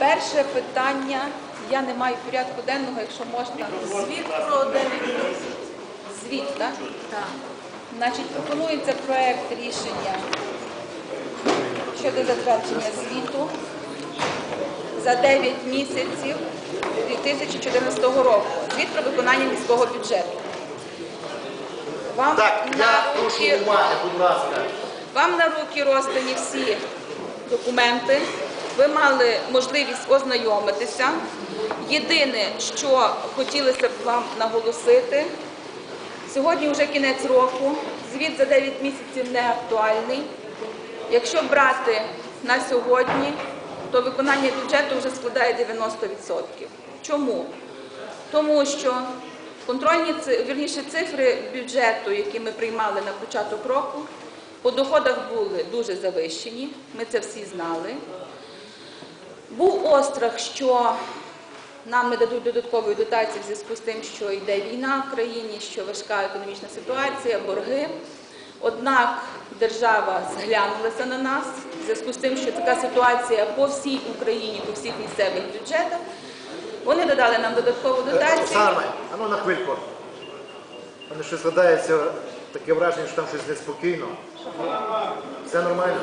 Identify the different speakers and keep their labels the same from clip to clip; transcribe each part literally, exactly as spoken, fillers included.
Speaker 1: Перше питання, я не маю порядку денного, якщо можна. Звіт про дев'ять місяців. Звіт, так? Так. Значить, пропонується проект рішення щодо затвердження звіту за дев'ять місяців дві тисячі чотирнадцятого року. Звіт про виконання міського бюджету. Вам
Speaker 2: Так,
Speaker 1: на
Speaker 2: я
Speaker 1: руки,
Speaker 2: прошу уваги, будь ласка.
Speaker 1: Вам на руки роздані всі документи. Ви мали можливість ознайомитися. Єдине, що хотілося б вам наголосити, сьогодні вже кінець року, звіт за дев'ять місяців не актуальний. Якщо брати на сьогодні, то виконання бюджету вже складає дев'яносто відсотків. Чому? Тому що контрольні, вірніше, цифри бюджету, які ми приймали на початок року, по доходах були дуже завищені, ми це всі знали. Був острах, що нам не дадуть додаткової дотації в зв'язку з тим, що йде війна в країні, що важка економічна ситуація, борги. Однак держава зглянулася на нас в зв'язку з тим, що така ситуація по всій Україні, по всіх місцевих бюджетах. Вони додали нам додаткову дотацію.
Speaker 2: Оксана, а ну на хвильку. У мене щось складається таке враження, що там щось неспокійно. Все нормально?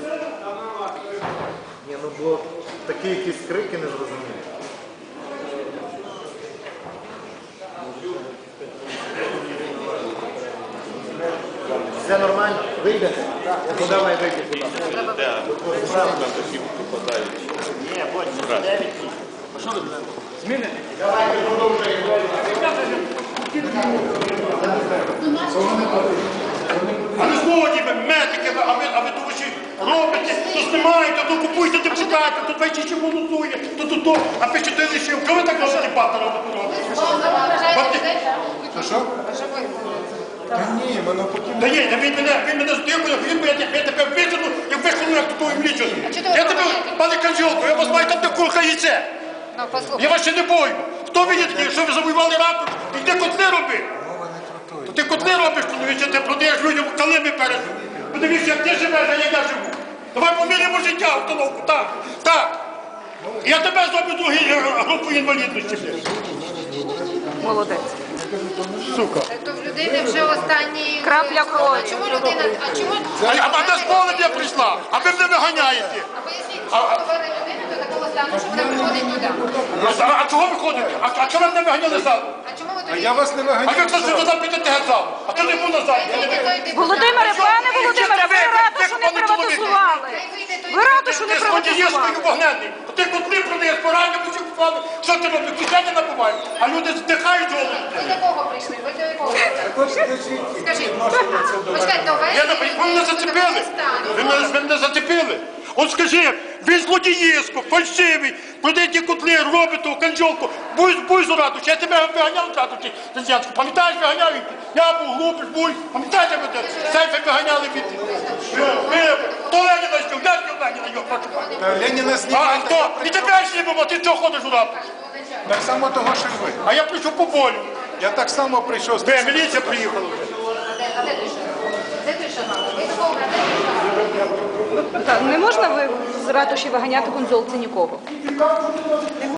Speaker 2: Ні, ну бо такі якісь крики незрозумілі. Все нормально? Вийдете? Ну давай вийди, будь ласка. Ні, потім дев'ять. А що ви будете? Зміни? Давайте продовжуємо.
Speaker 3: А не згодні ви, медики, а ви, а ви тому що робите, то знімаєте, то купуєте депутатів, то двічі ще голосує, то то то, а пишете лишив. Коли ви так можете дебати робити?
Speaker 4: Що, що? Та ні, воно потім...
Speaker 3: Та ні, він мене, він мене здихує, він мене, я тебе вижену і вихону, як ту млічу. Я тебе, пане Канжолко, я вас маю там, де курка яйце. Я вас ще не бою. Хто ви є такі, що ви завоювали раку, і ти котли роби. То ти котли робиш, чоловіче, ти продаєш людям калими перед. Подивіться, як ти живеш, а як я живу. Давай поміряємо життя, установку, так, так. Я тебе зроблю другу групу інвалідності.
Speaker 1: Молодець.
Speaker 3: Сука.
Speaker 5: То в людини вже останній...
Speaker 1: Крапля крові.
Speaker 5: А чому людина... А чому...
Speaker 3: А, а, а де з полем я прийшла? А ви мене виганяєте.
Speaker 5: А поясніть, що довели людину до такого стану, що вона приходить туди?
Speaker 3: А, а, а чого ви ходите? А, а чого ви мене виганяли ззаду?
Speaker 5: А чому ви
Speaker 4: А
Speaker 5: тоді...
Speaker 4: я вас не
Speaker 3: А ви
Speaker 4: виганяю.
Speaker 3: хтось туди підете геть а то не був назад.
Speaker 1: Володимире, пане Володимире, ви раду, що не приватизували. Ви раду, що не
Speaker 3: Ти злодієшкою
Speaker 1: приватизували.
Speaker 3: вогненний. Ти котли продаєш, поранення всі купали. Що ти робиш? Кишені набуваєш. А люди здихають голову.
Speaker 5: Ви до кого прийшли? Ви до якого?
Speaker 4: От скажіть,
Speaker 5: Скажіть,
Speaker 4: відношення це до
Speaker 5: почекайте, то
Speaker 3: Я не ви мене зацепили. Ви мене, ви мене зацепили. От скажи, він злодієшко, фальшивий, продаєте котли, робите, канджолку, буй, буй з раду. Я тебе виганяв з раду, Тетянську. Пам'ятаєш, виганяв від? Я був глупий, буй. Пам'ятаєте, ви сейфи виганяли від? Ви, хто Леніна збив? Я збив Леніна, його хочу.
Speaker 4: Та Леніна
Speaker 3: А
Speaker 4: знімає.
Speaker 3: хто? І тебе знімемо, ти чого ходиш у раду?
Speaker 4: Так само того, що й ви.
Speaker 3: А я прийшов по болю.
Speaker 4: Я так само прийшов з
Speaker 3: Ви, міліція приїхала вже.
Speaker 5: А де той шанал? Де той шанал? Ви до кого? Де той шанал?
Speaker 1: Не можна ви з ратуші виганяти конзолці нікого.